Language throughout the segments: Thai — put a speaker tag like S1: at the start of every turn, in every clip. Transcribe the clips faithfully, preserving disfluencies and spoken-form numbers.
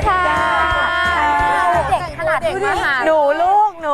S1: ค่ะเด็กขนาดนี้หนูลูกหนู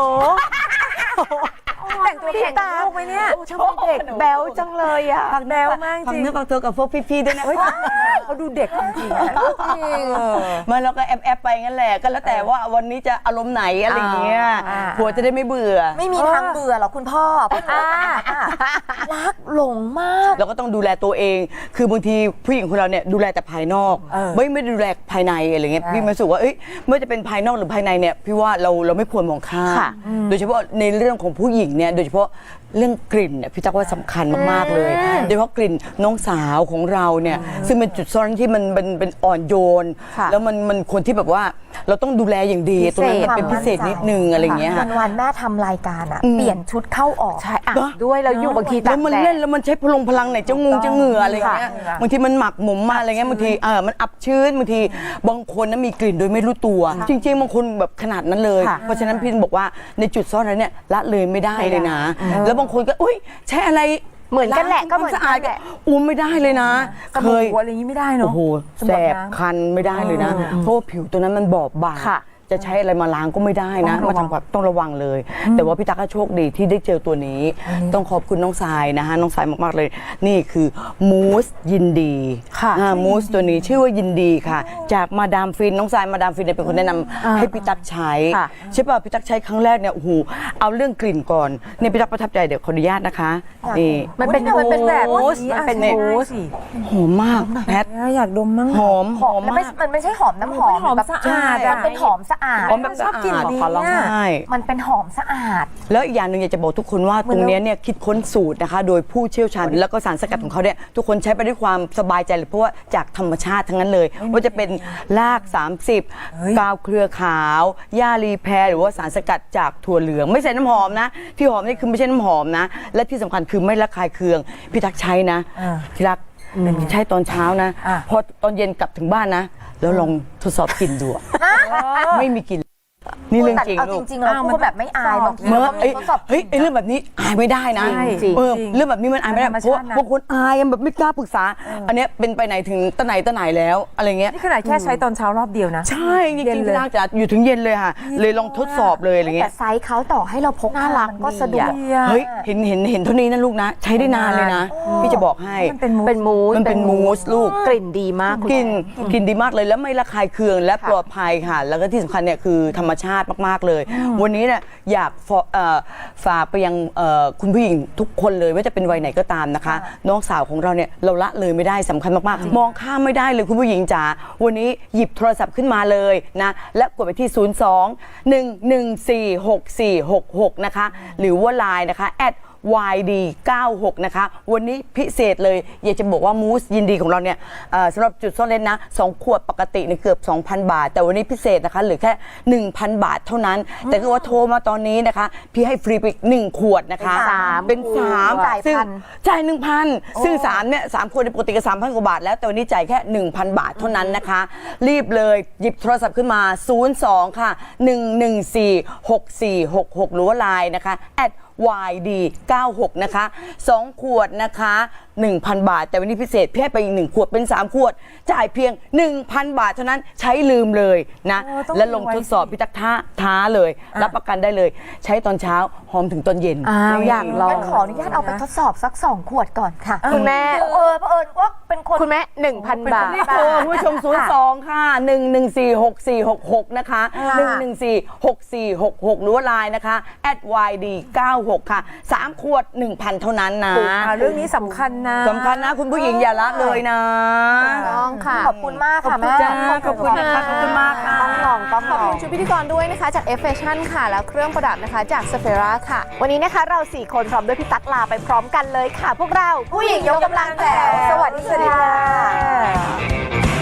S1: แต่งตัวแข่งกับลูกไหมเนี่ยชอบเด็กแบ๊วจังเลยอ่ะแบ๊วมากจริง
S2: ฟังเนื้อฟังตัวกับพวกพี่ๆด้วยนะ
S1: เขาดูเด็กจริงๆ
S2: มาเราก็แอบแอบไปงั้นแหละก็แล้วแต่ว่าวันนี้จะอารมณ์ไหนอะไรเงี้ยผัวจะได้ไม่เบื่อ
S1: ไม่มีทางเบื่อหรอกคุณพ่อรักหลงมาก
S2: เราก็ต้องดูแลตัวเองคือบางทีผู้หญิงของเราเนี่ยดูแลแต่ภายนอกไม่ไม่ดูแลภายในอะไรเงี้ยพี่รู้สึกว่าเอ้ยไม่ว่าจะเป็นภายนอกหรือภายในเนี่ยพี่ว่าเราเราไม่ควรมองข้ามโดยเฉพาะในเรื่องของผู้หญิงเนี่ยโดยเฉพาะเรื่องกลิ่นเนี่ยพี่ตั๊กว่าสำคัญมากๆเลยโดยเฉพาะกลิ่นน้องสาวของเราเนี่ยซึ่งเป็นจุดซ่อนที่มันเป็นเป็นอ่อนโยนแล้วมันมันคนที่แบบว่าเราต้องดูแลอย่างดีตรงนั้นมันเป็นพิเศษนิดนึงอะไรเงี้ยค่ะ
S1: วันแม่ทำรายการอ่ะเปลี่ยนชุดเข้าออกใช่ด้วยแล้วอยู่บางที
S2: แล้วมันเล่นแล้วมันใช้พลังพลังไหนจะงูจะเหงื่ออะไรเงี้ยบางทีมันหมักหมมมาอะไรเงี้ยบางทีเออมันอับชื้นบางทีบางคนนั้นมีกลิ่นโดยไม่รู้ตัวจริงๆบางคนแบบขนาดนั้นเลยเพราะฉะนั้นพี่บอกว่าในจุดซ่อนนั้นเนี่ยละเลยไม่ได้เลยนะแล้วบางคนก็อุ้ยใช้อะไร
S1: เหมือนกันแหละก็เหมือนกันแหละ
S2: อุ้มไม่ได้เลยนะ
S1: เคยอะไรอย่างนี้ไม่ได้เนาะ
S2: โอ้โหแสบคันไม่ได้เลยนะเพราะว่าผิวตัวนั้นมันบอบบางจะใช้อะไรมาล้างก็ไม่ได้นะมาทำความต้องระวังเลยแต่ว่าพี่ตั๊กก็โชคดีที่ได้เจอตัวนี้ต้องขอบคุณน้องทรายนะคะน้องทรายมากๆเลยนี่คือมูสยินดีค่ะมูสตัวนี้ชื่อว่ายินดีค่ะจากมาดามฟินน้องทรายมาดามฟินเป็นคนแนะนำให้พี่ตั๊กใช้ใช่ป่ะพี่ตั๊กใช้ครั้งแรกเนี่ยโอ้โหเอาเรื่องกลิ่นก่อนนี่พี่ตั๊กประทับใจเดี๋ยวขออนุญาตนะคะนี่
S1: มันเป็นมันเป็นแบบมูส
S2: มันเป็นมูสหอมมากแพท
S1: อยากดมมั้ง
S2: หอมหอมมาก
S1: มันไม่ใช่หอมน้ำหอมแบบสะอาดมันเป็นหอมสะอาด
S2: แบบชอบกลิ่นนี้
S1: มันเป็นหอมสะอาด
S2: แล้วอีกอย่างหนึ่งอยากจะบอกทุกคนว่าตรงนี้เนี่ยคิดค้นสูตรนะคะโดยผู้เชี่ยวชาญแล้วก็สารสกัดของเขาเนี่ยทุกคนใช้ไปด้วยความสบายใจเลยเพราะว่าจากธรรมชาติทั้งนั้นเลยว่าจะเป็นรากสามสิบกาวเครือขาวหญ้ารีแพรหรือว่าสารสกัดจากถั่วเหลืองไม่ใช่น้ำหอมนะที่หอมนี่คือไม่ใช่น้ำหอมนะและที่สำคัญคือไม่ระคายเคืองพี่ตั๊กใช้นะที่รักใช้ตอนเช้านะพอตอนเย็นกลับถึงบ้านนะแล้วลองทดสอบกลิ่นดูไม่มีกลิ่นนี่เรื่องจริง
S1: ลูกจริงๆแล้วพูดแบบไม่อายบางที
S2: เมื่อเฮ้ยเรื่องแบบนี้อายไม่ได้นะเออเรื่องแบบนี้มันอายไม่ได้เพราะบางคนอายแบบไม่กล้าปรึกษาอันนี้เป็นไปไหนถึงตะไหนตะไหนแล้วอะไรเงี้ย
S3: นี่ขนาดแค่ใช้ตอนเช้ารอบเดียวนะ
S2: ใช่จริงๆที่น่าจะอยู่ถึงเย็นเลยค่ะเลยลองทดสอบเลยอะไรเงี้ย
S1: แต่ไซส์เขาต่อให้เราพกน่ารักก็สะดวก
S2: เฮ้ยเห็นเห็นเห็นเท่านี้นะลูกนะใช้ได้นานเลยนะพี่จะบอกให้
S1: มันเป็นมูส
S2: มันเป็นมูสลูก
S1: กลิ่นดีมาก
S2: กลิ่นกลิ่นดีมากเลยแล้วไม่ระคายเคืองและปลอดภัยค่ะแล้วก็ที่สำคัญเนี่ยคือธรรมชาติมากๆเลยวันนี้เนี่ยอยากฝากไปยังคุณผู้หญิงทุกคนเลยว่าจะเป็นวัยไหนก็ตามนะคะน้องสาวของเราเนี่ยเราละเลยไม่ได้สำคัญมากๆมองข้ามไม่ได้เลยคุณผู้หญิงจ๋าวันนี้หยิบโทรศัพท์ขึ้นมาเลยนะและกดไปที่ศูนย์ สอง หนึ่ง หนึ่ง สี่ หก สี่ หก หกนะคะหรือว่าไลน์นะคะแอดวาย ดี เก้าหก นะคะวันนี้พิเศษเลยอยากจะบอกว่ามูสยินดีของเราเนี่ยสำหรับจุดซ่อนเร้นนะสองขวดปกติเนี่ยเกือบ สองพัน บาทแต่วันนี้พิเศษนะคะเหลือแค่ หนึ่งพัน บาทเท่านั้นแต่ก็ว่าโทรมาตอนนี้นะคะพี่ให้ฟรีไปอีกหนึ่งขวดนะคะเป็นสามซึ่งจ่าย หนึ่งพัน ซึ่งสามเนี่ยสามขวดปกติก็ สามพัน กว่าบาทแล้วแต่วันนี้จ่ายแค่ หนึ่งพัน บาทเท่านั้นนะคะรีบเลยหยิบโทรศัพท์ขึ้นมาศูนย์ สอง ค่ะ หนึ่ง หนึ่ง สี่ หก สี่ หก หกหรือว่าไลน์นะคะแอดวาย ดี เก้าหก นะคะสองขวดนะคะ หนึ่งพัน บาทแต่วันนี้พิเศษพี่ให้ไปอีกหนึ่งขวดเป็นสามขวดจ่ายเพียง หนึ่งพัน บาทเท่านั้นใช้ลืมเลยนะและลงทดสอบพี่ตั๊กท้าท้าเลยรับประกันได้เลยใช้ตอนเช้าหอมถึงตอนเย็น
S1: อยากลองขออนุญาตเอาไปทดสอบสักสองขวดก่อนค่ะคุณแม่เออเผอิญว่าเป็นคนคุณแม่ หนึ่งพัน บาท
S2: โทรผู้ชมศูนย์ สอง ค่ะ หนึ่ง หนึ่ง สี่ หก สี่ หก หกนะคะ หนึ่ง หนึ่ง สี่ หก สี่ หก หกหรือว่าไลน์นะคะแอดวาย ดี เก้าหก ค่ะสามขวด หนึ่งพัน เท่านั้นนะ
S3: เรื่องนี้สำคัญนะ
S2: สำคัญนะคุณผู้หญิงอย่าละเลยนะ
S1: ต้องค่ะขอบคุณมากค่ะแม่
S2: ขอบคุณนะคะขอบคุณมากค่ะ
S1: ต้องลองต้องขอบคุณชุดพิธีกรด้วยนะคะจาก F Fashion ค่ะแล้วเครื่องประดับนะคะจาก Sephora ค่ะวันนี้นะคะเราสี่คนพร้อมด้วยพี่ตั๊กลาไปพร้อมกันเลยค่ะพวกเราผู้หญิงยกกำลังแจ๋วสวัสดีค่ะ